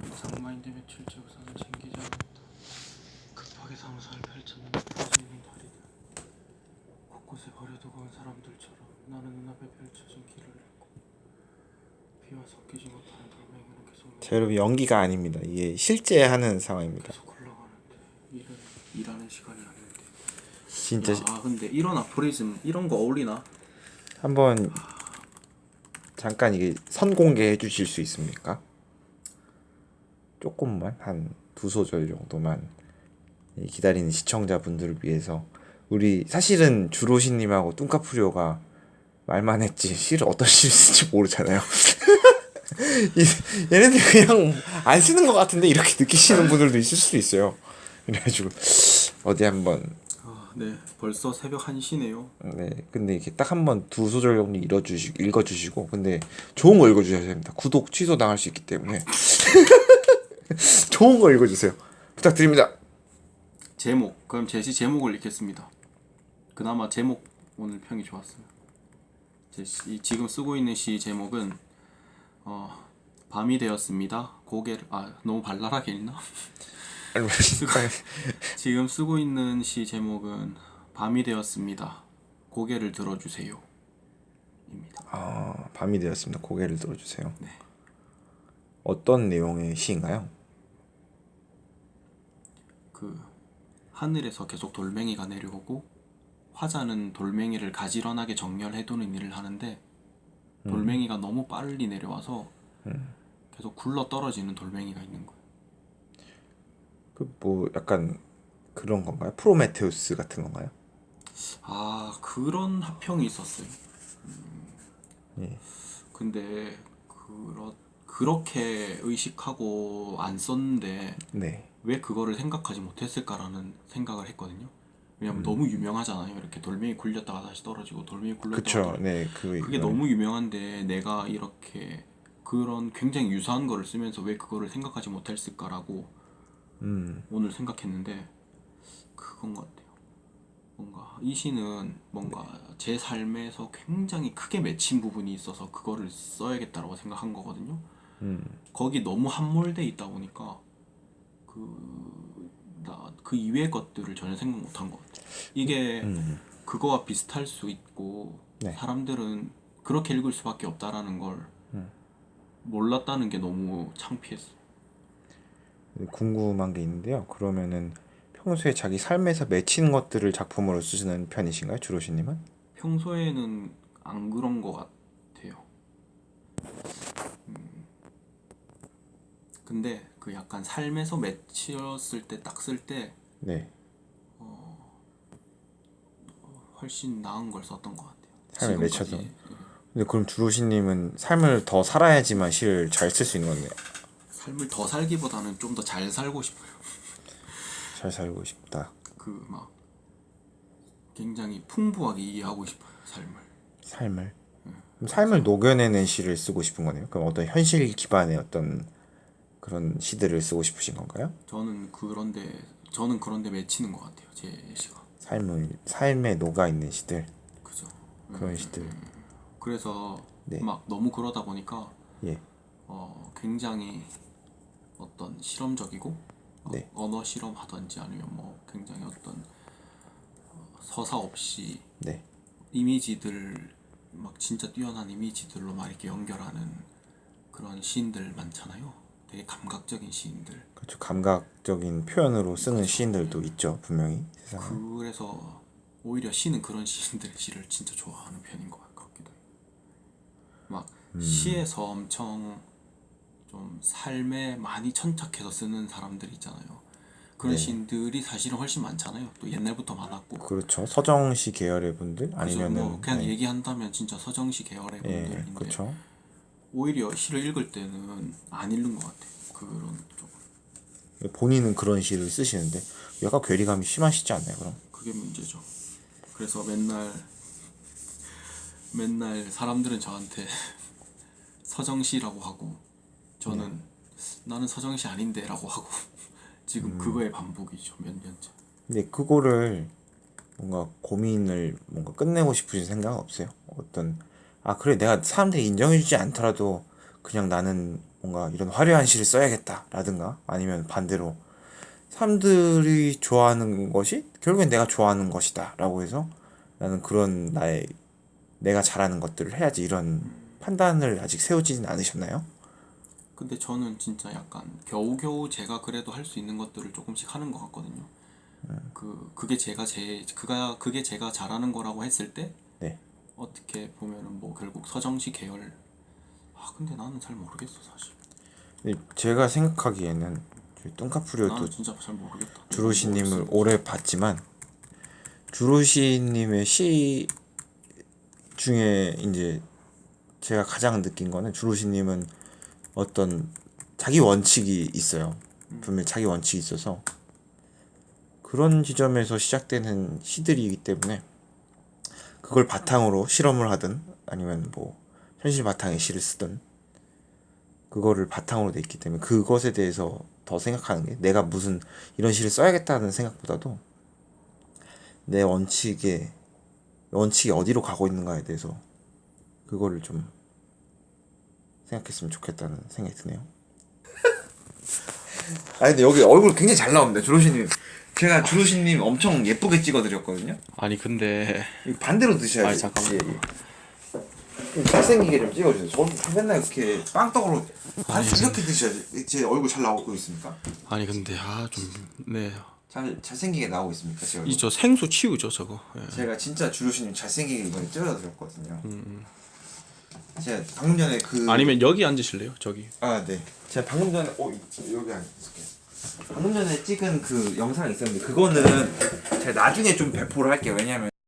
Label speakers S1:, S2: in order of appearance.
S1: 상마인드 며칠째 우산을 챙기지 않았다. 급하게 사무소를 펼쳤는데 부서있는 다리들. 곳곳에 버려두고 온 사람들처럼 나는 눈앞에 펼쳐진 길을 잃고 비와 섞이지 못하는 돌멩이는 계속
S2: 자, 여러분 연기가 아닙니다. 이게 실제 하는 상황입니다.
S1: 계속 흘러가는데 일은 일하는 시간이 아닌데.
S2: 진짜
S1: 근데 이런 아포리즘 이런 거 어울리나?
S2: 한번 잠깐 이게 선공개해 주실 수 있습니까? 조금만 한 두 소절 정도만 기다리는 시청자분들을 위해서. 우리 사실은 주로시님하고 뚱카프리오가 말만 했지 시를 어떤 시를 쓸지 모르잖아요. 얘네들 그냥 안 쓰는 것 같은데 이렇게 느끼시는 분들도 있을 수도 있어요. 그래가지고 어디 한번
S1: 네, 벌써 새벽 1시네요.
S2: 네, 근데 이렇게 딱 한번 두 소절 정도 읽어주시고, 근데 좋은 거 읽어주셔야 됩니다. 구독 취소 당할 수 있기 때문에 좋은 거 읽어주세요. 부탁드립니다.
S1: 제목, 그럼 제시 제목을 읽겠습니다. 그나마 제목 오늘 평이 좋았어요. 지금 쓰고 있는 시 제목은 밤이 되었습니다. 고개를 너무 발랄하게 읽나? 지금 쓰고 있는 시 제목은 밤이 되었습니다. 고개를 들어주세요. 입니다.
S2: 밤이 되었습니다. 고개를 들어주세요.
S1: 네.
S2: 어떤 내용의 시인가요?
S1: 그 하늘에서 계속 돌멩이가 내려오고 화자는 돌멩이를 가지런하게 정렬해두는 일을 하는데 돌멩이가 너무 빨리 내려와서 계속 굴러 떨어지는 돌멩이가 있는 거예요.
S2: 그 뭐 약간 그런 건가요? 프로메테우스 같은 건가요?
S1: 그런 합평이 있었어요.
S2: 예.
S1: 근데 그렇게 의식하고 안 썼는데
S2: 네.
S1: 왜 그거를 생각하지 못했을까라는 생각을 했거든요. 왜냐면 너무 유명하잖아요. 이렇게 돌멩이 굴렸다가 다시 떨어지고 돌멩이 굴렸다가
S2: 그쵸.
S1: 떨어지고.
S2: 네.
S1: 그게 너무 유명한데 내가 이렇게 그런 굉장히 유사한 거를 쓰면서 왜 그거를 생각하지 못했을까라고 오늘 생각했는데 그건 것 같아요. 뭔가 이 시는 뭔가 제 삶에서 굉장히 크게 맺힌 부분이 있어서 그거를 써야겠다라고 생각한 거거든요. 거기 너무 함몰돼 있다 보니까 그 이외의 것들을 전혀 생각 못한 것 같아요. 이게 그거와 비슷할 수 있고
S2: 네.
S1: 사람들은 그렇게 읽을 수밖에 없다라는 걸 몰랐다는 게 너무 창피했어요.
S2: 궁금한 게 있는데요. 그러면은 평소에 자기 삶에서 맺히는 것들을 작품으로 쓰시는 편이신가요, 주로시님은?
S1: 평소에는 안 그런 것 같아요. 근데 그 약간 삶에서 맺혔을 때 딱 쓸 때
S2: 네.
S1: 훨씬 나은 걸 썼던 것 같아요.
S2: 삶에 맺혀서.
S1: 지금까지.
S2: 근데 그럼 주로시님은 삶을 더 살아야지만 시를 잘 쓸 수 있는 건데요.
S1: 삶을 더 살기보다는 좀 더 잘 살고 싶어요.
S2: 잘 살고 싶다.
S1: 그 막 굉장히 풍부하게 이해하고 싶어요. 삶을.
S2: 그럼 삶을 녹여내는 시를 쓰고 싶은 거네요. 그럼 어떤 현실 기반의 어떤 그런 시들을 쓰고 싶으신 건가요?
S1: 저는 그런데 맺히는 것 같아요. 제 시가.
S2: 삶에 녹아 있는 시들.
S1: 그죠.
S2: 그런 시들.
S1: 그래서
S2: 네.
S1: 막 너무 그러다 보니까
S2: 예.
S1: 굉장히 어떤 실험적이고
S2: 네.
S1: 언어 실험하든지 아니면 뭐 굉장히 어떤 서사 없이
S2: 네.
S1: 이미지들 막 진짜 뛰어난 이미지들로 막 이렇게 연결하는 그런 시인들 많잖아요. 되게 감각적인 시인들.
S2: 그렇죠. 감각적인 표현으로 쓰는 시인들도 있죠, 분명히 세상에.
S1: 그래서 오히려 시는 그런 시인들의 시를 진짜 좋아하는 편인 것 같기도 해요. 막 시에서 엄청 좀 삶에 많이 천착해서 쓰는 사람들 있잖아요. 그런
S2: 네.
S1: 시인들이 사실은 훨씬 많잖아요. 또 옛날부터 많았고.
S2: 그렇죠. 서정시 계열의 분들
S1: 그죠?
S2: 아니면은
S1: 뭐 그냥
S2: 네.
S1: 얘기한다면 진짜 서정시 계열의
S2: 예,
S1: 분들인데
S2: 그렇죠.
S1: 오히려 시를 읽을 때는 안 읽는 것 같아요. 그런 쪽은.
S2: 본인은 그런 시를 쓰시는데 약간 괴리감이 심하시지 않나요, 그럼?
S1: 그게 문제죠. 그래서 맨날 사람들은 저한테 서정시라고 하고 저는 나는 서정시 아닌데라고 하고 지금 그거의 반복이죠. 몇 년째.
S2: 근데 그거를 뭔가 고민을 뭔가 끝내고 싶으신 생각은 없어요? 어떤 그래 내가 사람들이 인정해주지 않더라도 그냥 나는 뭔가 이런 화려한 시를 써야겠다라든가 아니면 반대로 사람들이 좋아하는 것이 결국엔 내가 좋아하는 것이다라고 해서 나는 그런 나의 내가 잘하는 것들을 해야지 이런 판단을 아직 세우지는 않으셨나요?
S1: 근데 저는 진짜 약간 겨우겨우 제가 그래도 할 수 있는 것들을 조금씩 하는 것 같거든요. 그게 제가 잘하는 거라고 했을 때
S2: 네.
S1: 어떻게 보면은 뭐 결국 서정시 계열. 근데 나는 잘 모르겠어 사실.
S2: 근데 제가 생각하기에는 뚱카프리오도
S1: 나는 진짜 잘 모르겠다.
S2: 주로시님을 오래 봤지만 주로시님의 시 중에 이제 제가 가장 느낀 거는 주로시님은 어떤 자기 원칙이 있어요. 분명히 자기 원칙이 있어서 그런 지점에서 시작되는 시들이기 때문에 그걸 바탕으로 실험을 하든 아니면 뭐 현실 바탕의 시를 쓰든 그거를 바탕으로 돼 있기 때문에 그것에 대해서 더 생각하는 게 내가 무슨 이런 시를 써야겠다는 생각보다도 내 원칙이 어디로 가고 있는가에 대해서 그거를 좀 생각했으면 좋겠다는 생각이 드네요. 아니 근데 여기 얼굴 굉장히 잘 나옵니다. 주로시님. 제가 주로시님 엄청 예쁘게 찍어드렸거든요.
S1: 아니 근데
S2: 이거 반대로 드셔야지.
S1: 아니, 잠깐만.
S2: 잘생기게 좀 찍어주세요. 저는 맨날 이렇게 빵떡으로 이렇게 드셔야지. 제 얼굴 잘 나오고 있습니까?
S1: 아니 근데 네.
S2: 잘생기게 나오고 있습니까? 제 얼굴?
S1: 이 저 생수 치우죠 저거. 예.
S2: 제가 진짜 주로시님 잘생기게 이번에 찍어드렸거든요. 제가 방금 전에
S1: 아니면 여기 앉으실래요? 저기.
S2: 네. 제가 방금 전에 여기 앉을게요. 방금 전에 찍은 그 영상이 있었는데 그거는 제가 나중에 좀 배포를 할게요. 왜냐면